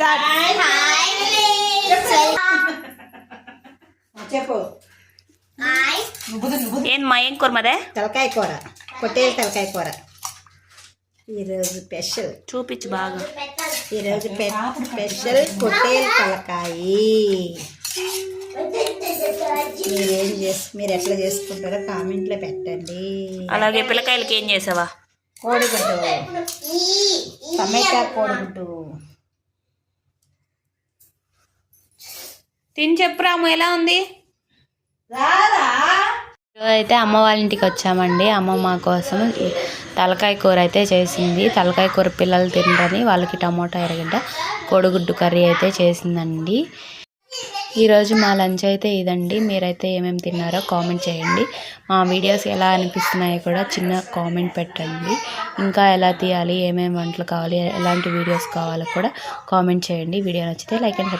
చెప్పు. ఏం కూర మదే? తలకాయ కూర, పొట్టేలు తలకాయ కూర. ఈరోజు స్పెషల్ చూపించు బాగా. ఈరోజు స్పెషల్ పొట్టేలు తలకాయ. మీరు ఎట్లా చేసుకుంటారో కామెంట్లో పెట్టండి. అలాగే పిల్లకాయలకి ఏం చేసావా? కోడిగుడ్డు, టమాటా కోడిగుడ్డు. తిని చెప్పు రాము, ఎలా ఉంది? అయితే అమ్మ వాళ్ళ ఇంటికి వచ్చామండి. అమ్మ మా కోసం తలకాయ కూర అయితే చేసింది. తలకాయ కూర పిల్లలు తినరని వాళ్ళకి టమోటా ఎర్రగడ్డ కోడిగుడ్డు కర్రీ అయితే చేసిందండి. ఈరోజు మా లంచ్ అయితే ఇదండి. మీరైతే ఏమేమి తిన్నారో కామెంట్ చేయండి. మా వీడియోస్ ఎలా అనిపిస్తున్నాయో కూడా చిన్న కామెంట్ పెట్టండి. ఇంకా ఎలా తీయాలి, ఏమేమి వంటలు కావాలి, ఎలాంటి వీడియోస్ కావాలో కూడా కామెంట్ చేయండి. వీడియో నచ్చితే లైక్ అండ్